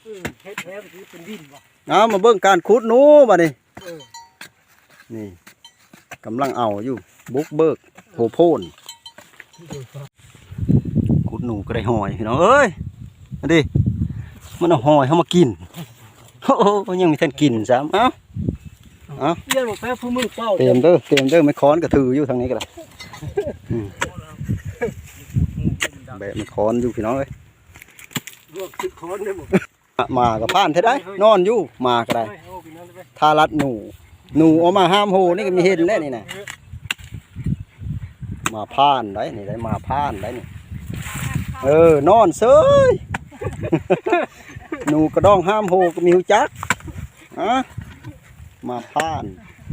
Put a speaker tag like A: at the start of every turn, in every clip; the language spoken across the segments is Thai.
A: เฮ็ดแท้ที่เป็นดินบ่
B: มาเบิ่งการขุดหนูบัดนี้นี่กำลังเอาอยู่บุกเบิกโผโพนขุดหนูก็ได้หอยพี่น้องเอ้ยมาดิมันเอาหอยเข้ามากินโอ้ยังมีท่านกินซ้ำเอ้า
A: เลี้ยงแป๊บผู้มึงเฝ้า
B: เต็มเด้อไม่ค้อนกระถืออยู่ทางนี้ก็ได้แบบไม่ค้อนอยู่พี่น้องเอ้ย
A: รวม10คนได้บ่
B: มากับผ่านเท่าได้นอนอยู่มาก็ได้ทารัดหนูเอามาห้ามโหนี่ก็มีเห็นแล้วนี่นะมาผ่านได้นี่ได้มาผ่านได้นี่นอนเซยหนูกระดองห้ามโหก็มีหูจักมาผ่าน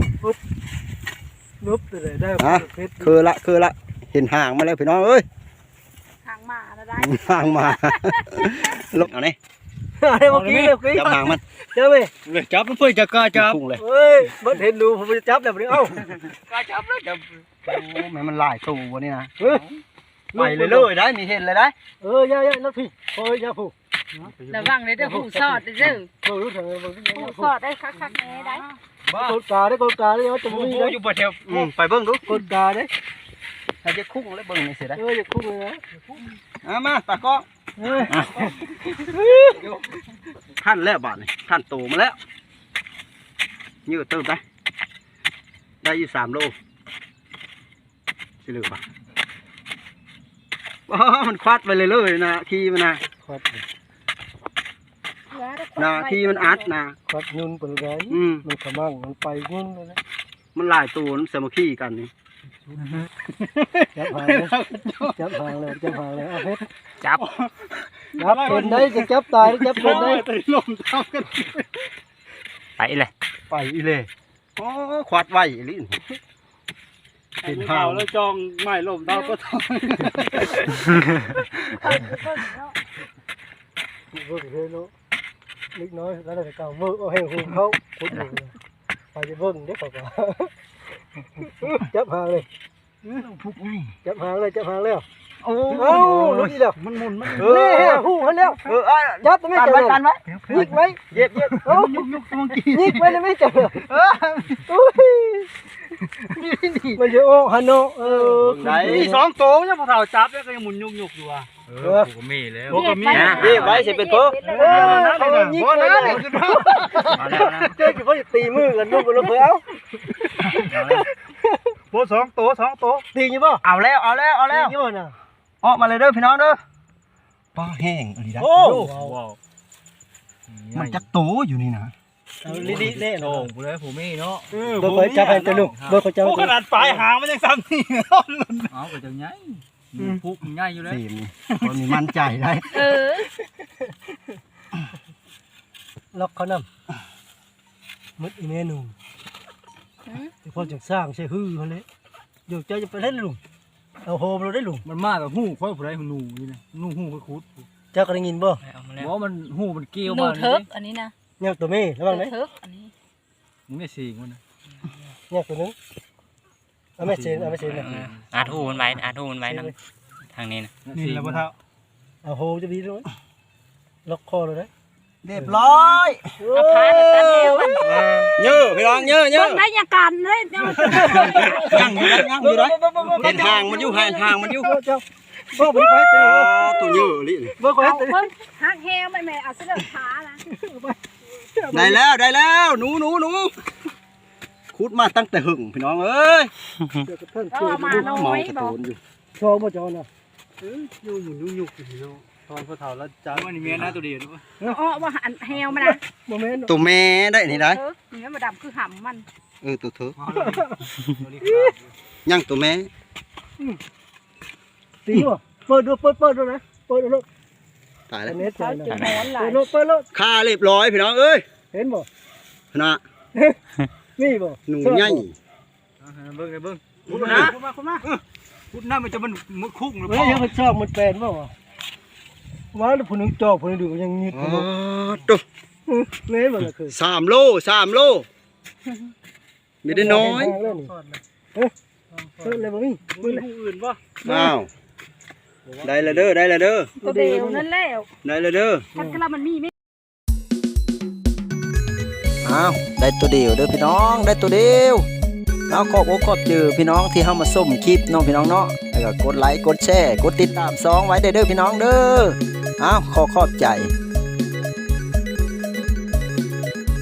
A: นุบเลยได้
B: คือละเห็นห่างมาแล้วพี่น้องเอ้ย
C: ห่างมาแล้วได้
B: ห่างมาลบเอาเนี่ย
A: เมื่อกี้
B: จับห่างมัน
A: จับ
D: เลยจับมันเพื่อจะกล้าจับ
A: เฮ้ยมันเห็นดูผมจะจับแล้วเอ้ากล้าจับแล้วจับ
B: โอ้แม่มันหลายตัววะนี่นะไปเลยได้มีเห็นเลยได้
A: ย่านักพี่ย่าผู้
C: ระวังเลยเด้อหูสอดเด้อ
A: รู้เถอะ
C: หูสอดได้คักๆแน่ได้
A: กดกาได้จะมี
D: อยู่บ่แถว
B: ไปเบิ่งดู
A: กดกาได้
B: ถ้าจะคุ้งแล้วเบิ่งนี่เสียได้
A: จะคุ้งเลย
B: นะมาตาก็ท่านแล้วบาทนี่ท่านโตมาแล้วยืดเติมได้อยู่3 โลสิเหลือป่ะมันควัดไปเลยนะขี้มันนะ
A: ควัด
B: ขี้มันอัดนะ
A: ควัดยุ่นไปเลยมันขมั่งมันไปยุ่นเลย
B: มันหลายตัวมันสามัคคีกันนี่
A: จับหางเลยเอาเพชรจับเป็นได้จะจับตายจับเป็นได้
D: ตีลมทำกัน
B: ไปเลยโอ้ควัดไว้ลิ้น
D: เห็นห่าวแล้วจองไม่ลมเท่าก็ทำ
A: เบิ่งเลยเนาะเล็กน้อยแล้วแต่เก่าเบิ่งเอาให้หูเขาขุดเลยไปจะเบิ่งเด็กเขาก็จับหางเลยจับหางแล้ว
B: โอ้
A: รู้ดีแล้ว
B: มันหมุน
A: นี่หูมันแล้วจับไม่เจอกันไหมยิกไหม
B: เย็บ
A: ยุกยิกไว้ไม่เจอมันจะโอ้ฮันโน
D: ไหน2 ตัวเนี่ยพอเท่าจับแล้วก็ยังหมุนยุกอยู่อ่ะผมมีแล้ว
B: ผมมีนะเย็บไว้เสร็จเป็นโป๊ะ
A: เขายิกเลยเจ้าจะเขาจะตีมือกันลูกกันลูกเพื่อเอา
D: โป๊ะ2 ตัว
A: ตีอยู่ป่ะ
B: เอาแล้ว
A: ตีอยู่น่ะ
B: ออกมาเลยเด้อพี่น้องเด้อปลาแห้งอะไรได้มันจะโตอยู่นี่นะ
A: ลิเล่
D: โอ้โหเลยผมมีเนาะ
A: เบอร์จับให้ตัวลูกเบอร์เขาจับ
D: ขนาดปลายหางมันยังซ้ำนี่เอาไปจังไงพุกง่ายอยู่เลย
B: คนมีมั่นใจได้
A: ล็อกเขานำมุดอีเมนูที่พ่อจะสร้างใช่ฮือเขาเลยเดี๋ยวเจ้าจะไปเล่นลุงเอาโฮมเราได้ลุง
D: มันมากกับหูค่อยผู้ใดหูนี่นะหูค่อยคุด
A: เจ้าก็ได้ยินบ่
D: ว่ามันหูมันเกี่ยว
C: มาหนูเทิกอันนี้นะ
A: เนี่ยตัวเม่ระวังไหม
C: เทิกอันนี้
D: มึงไม่สิงมันนะ
A: เนี่ยตัวนึงเอาไม่เซ็นนะ
E: อาทูมันไว้นะทางนี้นะ
D: นี่แหละพ่อเท่า
A: เอาโฮจะดีด้วยล็อกคอเลยนะ
B: เรียบร้อย
C: เอาผ้าตัดเอว
B: เยอะพี่น้องเยอะ
C: ได้ยากันเลย
B: ยังอยู่ได้เห็นห่างมันอยู่
A: เบิ่งไปตี
B: ตัวเยอะลิ
A: เบิ่งไปตี
C: หักแฮวไม่เอาเสื้อผ้านะ
B: ได้แล้วหนูขุดมาตั้งแต่หึงพี่น้องเอ้ย
C: มาน้อยบอก
A: ชอบมาจอนะ
D: ยุ่งพี่น้องตอนพ่อเฒ่าแล้วจ้าวันนี้เมียนะตัวเดียวด้วย
C: ว่าแฮวมันนะ
B: ตัวแม่ได้นี่ได้
C: นี่มันดำคือหำมัน
B: ตัวเถอะยังตัวแม่
A: ตีว่ะเปิดด้วยนะเปิดด้วย
B: ตายแล้ว
A: เน็ตใจนะ
C: เปิด
B: ค่าเรียบร้อยพี่น้องเอ้ย
A: เห็นบ่
B: นะ
A: นี่บ่
B: หนูใหญ่
D: เบิ่งพูดนะพูดนะมันจะมันคุกหรือเปล่า
A: ยังมันชอบมันแปลนบ่วะว่าแล้วผู้นึงจอกผู้นึงดูยังนิด
B: ตุ๊
A: เล่นบ่ล่ะคือ
B: 3 โลไม่ได้น้อย
A: เลยบ่มี
D: มืออื่นป่ะ
B: อ้าวได้ละเด้อ
C: ตัวเดียวนั่นแล้ว
B: ได้ละเด้อ
C: มันก็แล้วมันมีไหม
B: อ้าวได้ตัวเดียวเด้อพี่น้องได้ตัวเดียวเอาขอบอกขอบเจอพี่น้องที่เข้ามาส้มคลิปน้องพี่น้องเนาะแล้วก็กดไลค์กดแชร์กดติดตาม2ไว้เด้อพี่น้องเด้ออ้าวขอบใจ